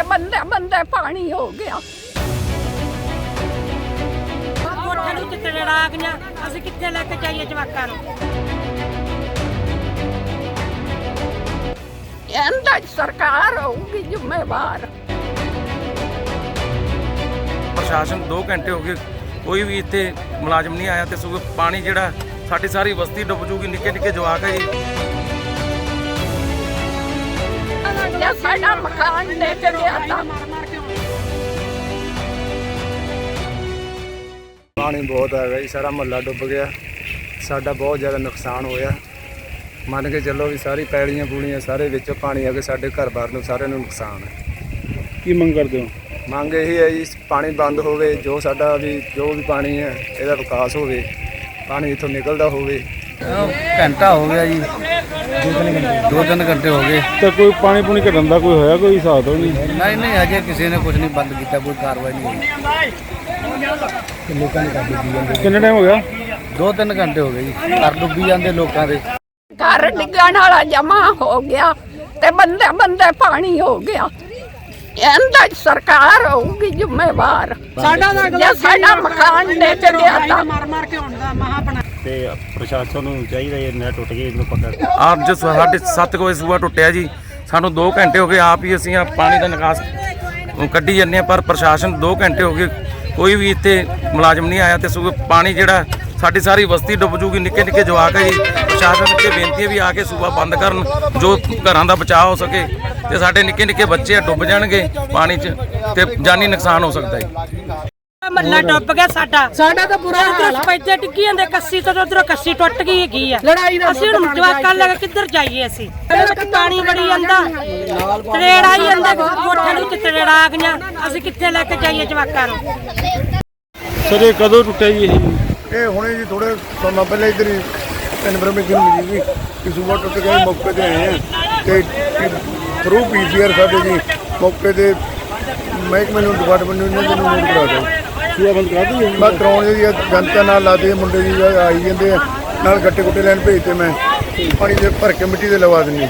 ਬੰਦੇ ਬੰਦੇ ਪਾਣੀ ਹੋ ਗਿਆ। ਕੋਠੇ ਨੂੰ ਕਿੱਥੇ ਲੜਾ ਗਈਆਂ, ਅਸੀਂ ਕਿੱਥੇ ਲੈ ਕੇ ਜਾਈਏ ਜਵਾਕਾਂ ਨੂੰ। ਇਹਦਾ ਸਰਕਾਰ ਹੋਊਗੀ ਜ਼ਿੰਮੇਵਾਰ। ਪ੍ਰਸ਼ਾਸਨ 2 ਘੰਟੇ ਹੋ ਗਏ, ਕੋਈ ਵੀ ਇੱਥੇ ਮੁਲਾਜ਼ਮ ਨਹੀਂ ਆਇਆ ਤੇ ਸਗੋਂ ਪਾਣੀ ਜਿਹੜਾ ਸਾਡੀ ਸਾਰੀ ਬਸਤੀ ਡੁੱਬ ਜੂਗੀ। ਨਿੱਕੇ ਨਿੱਕੇ ਜਵਾਕ ਹੈ ਜੀ। ਜੇ ਸਾਡਾ ਮਕਾਨ ਲੈ ਕੇ ਗਿਆ ਤਾਂ ਪਾਣੀ ਬਹੁਤ ਆ ਗਿਆ ਜੀ, ਸਾਰਾ ਮੁਹੱਲਾ ਡੁੱਬ ਗਿਆ। ਸਾਡਾ ਬਹੁਤ ਜ਼ਿਆਦਾ ਨੁਕਸਾਨ ਹੋਇਆ। ਮੰਨ ਕੇ ਚੱਲੋ ਵੀ ਸਾਰੀ ਪੈੜੀਆਂ ਪੂੜੀਆਂ ਸਾਰੇ ਵਿੱਚ ਪਾਣੀ ਆ ਕੇ ਸਾਡੇ ਘਰ-ਬਾਰ ਨੂੰ ਸਾਰਿਆਂ ਨੂੰ ਨੁਕਸਾਨ ਹੈ। ਕੀ ਮੰਗ ਕਰਦੇ ਹੋ? ਮੰਗ ਇਹ ਹੈ ਜੀ, ਪਾਣੀ ਬੰਦ ਹੋਵੇ, ਜੋ ਸਾਡਾ ਵੀ ਜੋ ਵੀ ਪਾਣੀ ਹੈ ਇਹਦਾ ਵਿਕਾਸ ਹੋਵੇ, ਪਾਣੀ ਇੱਥੋਂ ਨਿਕਲਦਾ ਹੋਵੇ। ਘੰਟਾ ਹੋ ਗਿਆ ਜੀ, 2-3 ਘੰਟੇ ਹੋ ਗਏ। ਤੇ ਕੋਈ ਪਾਣੀ ਪੂਣੀ ਘਟਣ ਦਾ ਕੋਈ ਹੋਇਆ ਕੋਈ ਹਿਸਾਬ ਤੋਂ ਨਹੀਂ? ਨਹੀਂ ਹਜੇ ਕਿਸੇ ਨੇ ਕੁਝ ਨਹੀਂ ਬੰਦ ਕੀਤਾ, ਕੋਈ ਕਾਰਵਾਈ ਨਹੀਂ ਹੋਈ। ਲੋਕਾਂ ਨੇ ਕਰ ਦਿੱਤੀ। ਕਿੰਨਾ ਟਾਈਮ ਹੋ ਗਿਆ? 2-3 ਘੰਟੇ ਹੋ ਗਏ ਜੀ, ਘਰ ਡੁੱਬੀ ਜਾਂਦੇ ਲੋਕਾਂ ਦੇ। ਘਰ ਡਿੱਗਣ ਵਾਲਾ ਜਮਾ ਹੋ ਗਿਆ ਤੇ ਬੰਦੇ ਬੰਦੇ ਪਾਣੀ ਹੋ ਗਿਆ। ਇਹਦਾ ਸਰਕਾਰ ਹੋਊਗੀ ਜ਼ਿੰਮੇਵਾਰ। ਜੇ ਸਾਡਾ ਮਕਾਨ ਲੈ ਕੇ ਗਿਆ ਤਾਂ ਮਾਰ ਕੇ ਹੁੰਦਾ ਮਹਾ ਬਣਾ ਤੇ ਪ੍ਰਸ਼ਾਸਨ ਨੂੰ ਚਾਹੀਦਾ ਇਹ ਨਹਿਰ ਟੁੱਟ ਗਈ, ਇਹਨੂੰ ਪੱਕਾ। ਆਪ ਜੋ ਸਾਡੇ 7 ਵਜੇ ਸੂਆ ਟੁੱਟਿਆ ਜੀ, ਸਾਨੂੰ 2 ਘੰਟੇ ਹੋ ਗਏ ਆਪ ਹੀ ਅਸੀਂ ਪਾਣੀ ਦਾ ਨਿਕਾਸ ਕੱਢੀ ਜਾਂਦੇ ਹਾਂ, ਪਰ ਪ੍ਰਸ਼ਾਸਨ 2 ਘੰਟੇ ਹੋ ਗਏ, ਕੋਈ ਵੀ ਇੱਥੇ ਮੁਲਾਜ਼ਮ ਨਹੀਂ ਆਇਆ ਤੇ ਸਗੋਂ ਪਾਣੀ ਜਿਹੜਾ ਸਾਡੀ ਸਾਰੀ ਬਸਤੀ ਡੁੱਬ ਜੂਗੀ। ਨਿੱਕੇ ਨਿੱਕੇ ਜਵਾਕ ਹੈ ਜੀ। ਪ੍ਰਸ਼ਾਸਨ ਅੱਗੇ ਬੇਨਤੀ ਹੈ ਵੀ ਆ ਕੇ ਸੂਬਾ ਬੰਦ ਕਰਨ, ਜੋ ਘਰਾਂ ਦਾ ਬਚਾਅ ਹੋ ਸਕੇ ਤੇ ਸਾਡੇ ਨਿੱਕੇ ਨਿੱਕੇ ਬੱਚੇ ਡੁੱਬ ਜਾਣਗੇ ਪਾਣੀ 'ਚ ਤੇ ਜਾਨੀ ਨੁਕਸਾਨ ਹੋ ਸਕਦਾ ਹੈ। ਮੱਲਾ ਡੁੱਬ ਗਿਆ ਸਾਡਾ ਤਾਂ ਬੁਰਾ ਹਾਲ ਆ। ਪੈਦੇ ਡਿੱਗੀ ਜਾਂਦੇ, ਕੱਸੀ ਤੋਂ ਉਧਰੋਂ ਕੱਸੀ ਟੁੱਟ ਗਈ ਹੈਗੀ ਆ। ਅਸੀਂ ਹੁਣ ਜਵਾਕਾਂ ਲੈ ਕੇ ਕਿੱਧਰ ਜਾਈਏ? ਅਸੀਂ ਪਾਣੀ ਵੜੀ ਜਾਂਦਾ, ਤਰੇੜ ਆਈ ਜਾਂਦਾ, ਕੋਠੇ ਨੂੰ ਕਿੱਥੇ ਲੜਾ ਗਈਆਂ, ਅਸੀਂ ਕਿੱਥੇ ਲੈ ਕੇ ਜਾਈਏ ਜਵਾਕਾਂ ਨੂੰ। ਸਰ ਇਹ ਕਦੋਂ ਟੁੱਟਿਆ ਜੀ? ਇਹ ਹੁਣੇ ਜੀ ਥੋੜੇ ਸਮਾਂ ਪਹਿਲਾਂ ਇੱਧਰ ਹੀ ਇਨਫੋਰਮੇਸ਼ਨ ਮਿਲੀ ਸੀ ਕਿ ਸੂਬਾ ਟੁੱਟ ਗਿਆ। ਮੌਕੇ 'ਤੇ ਆਏ ਹਾਂ ਤੇ ਥਰੂ ਪੀਸੀਆਰ ਸਾਡੇ ਜੀ ਮੌਕੇ 'ਤੇ ਮਹਿਕਮੇ ਨੂੰ ਡਿਪਾਰਟਮੈਂਟ ਨੂੰ ਇਹਨਾਂ ਨੂੰ ਨੋਟ ਕਰਾ ਦਿਓ। ਸੂਆ ਬੰਦ ਕਰਾ ਦਈਏ? ਮੈਂ ਕਰਾਉਣ ਜੀ ਜਨਤਾ ਨਾਲ ਲਾਦੇ ਮੁੰਡੇ ਜੀ ਆਈ ਜਾਂਦੇ ਆ, ਨਾਲ ਗੱਟੇ ਗੁੱਟੇ ਲੈਣ ਭੇਜਤੇ। ਮੈਂ ਪਾਣੀ ਦੇ ਭਰ ਕੇ ਮਿੱਟੀ ਦੇ ਲਵਾ ਦਿੰਦੀ।